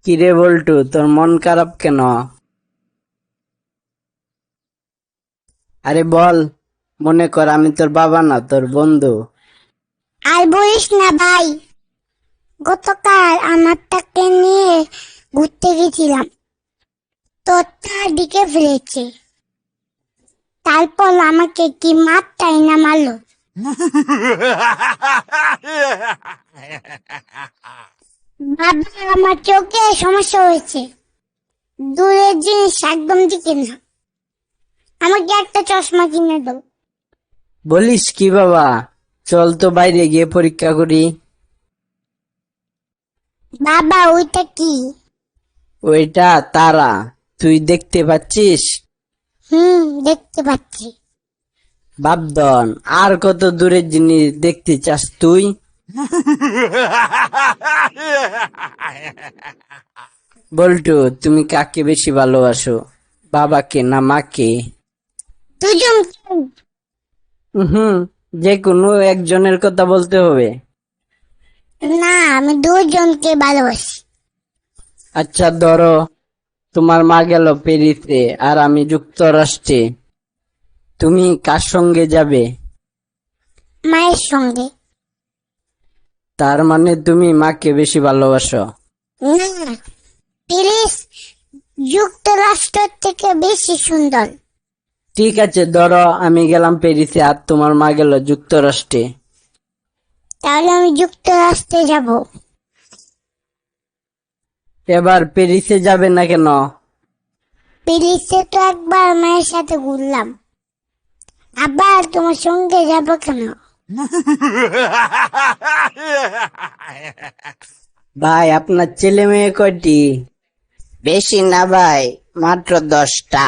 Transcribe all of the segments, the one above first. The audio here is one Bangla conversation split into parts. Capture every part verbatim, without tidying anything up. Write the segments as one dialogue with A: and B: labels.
A: কিরে বল্টু, তোর মন খারাপ কেন? আরে বল। মনে কর আমি তোর বাবা না, তোর বন্ধু।
B: আর বলিস না ভাই, গতকাল আমার তাকে নিয়ে ঘুরতে গেছিলাম, তো তার দিকে ফেলেছে, তারপর আমাকে কি মারটাই না মারলো। বাবা, আমার চোখে সমস্যা হয়েছে, দূরের জিনিস একদম দিকে না, আমাকে একটা চশমা কিনে দাও।
A: বলিস কি বাবা? চল তো বাইরে গিয়ে পরীক্ষা করি।
B: বাবা, ওইটা কি?
A: ওইটা তারা। তুই দেখতে পাচ্ছিস?
B: হুম, দেখতে পাচ্ছি।
A: বাপধন, আর কত দূরের জিনিস দেখতে চাস তুই? বল্টু, তুমি কাকে বেশি ভালোবাসো, বাবাকে না মাকে?
B: দুজন।
A: হুম, যে কোনো একজনের কথা বলতে হবে।
B: না, আমি দুজনকে ভালোবাসি।
A: আচ্ছা ধরো, তোমার মা গেল প্যারিসে আর আমি যুক্তরাষ্ট্রে, তুমি কার সঙ্গে যাবে?
B: মায়ের সঙ্গে।
A: তার মানে তুমি মাকে বেশি ভালোবাসো?
B: না, প্যারিস যুক্তরাষ্ট্র থেকে বেশি সুন্দর।
A: ঠিক আছে, ধরো আমি গেলাম প্যারিসে আর তোমার মা গেল যুক্তরাষ্ট্রে।
B: তাহলে আমি যুক্তরাষ্ট্রে যাব।
A: এবার প্যারিসে যাবে না কেন?
B: প্যারিসে তো একবার মায়ের সাথে ঘুরলাম, আবার তোমার সঙ্গে যাব কেন?
A: ভাই, আপনার ছেলে মেয়ে কয়টি? বেশি না ভাই, মাত্র দশটা।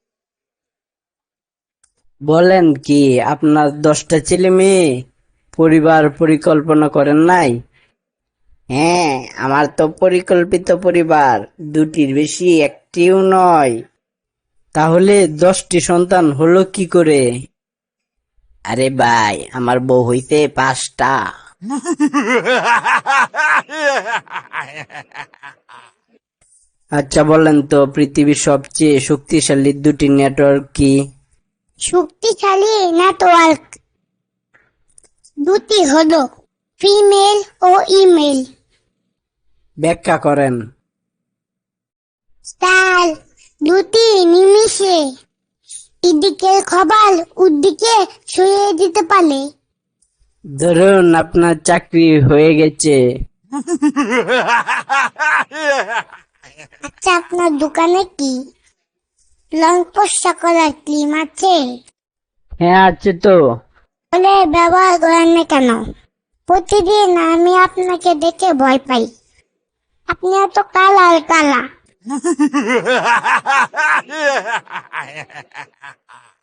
A: বলেন কি, আপনার দশটা ছেলে মেয়ে? পরিবার পরিকল্পনা করেন নাই? হ্যাঁ, আমার তো পরিকল্পিত পরিবার, দুটির বেশি একটিও নয়। তাহলে দশটি সন্তান হলো কি করে? আরে ভাই, আমার বউ হইতে পাঁচটা। আচ্ছা বলেন তো, পৃথিবীর সবচেয়ে শক্তিশালী দুটি নেটওয়ার্ক কি?
B: শক্তিশালী নেটওয়ার্ক দুটি হলো ফিমেল ও ইমেল।
A: ব্যাখ্যা করেন।
B: স্টার দুটি নিমিষে এদিকের খবর ওদিকে ছড়িয়ে দিতে পারে।
A: ধরুন আপনার চাকরি হয়ে গেছে।
B: আচ্ছা, আপনার দোকানে কি লং পোস্ট করার ক্রিম আছে?
A: হ্যাঁ আছে তো।
B: বলে ব্যবহার করেন না কেন? প্রতিদিন আমি আপনাকে দেখে ভয় পাই, আপনি এত কালা আর কালা।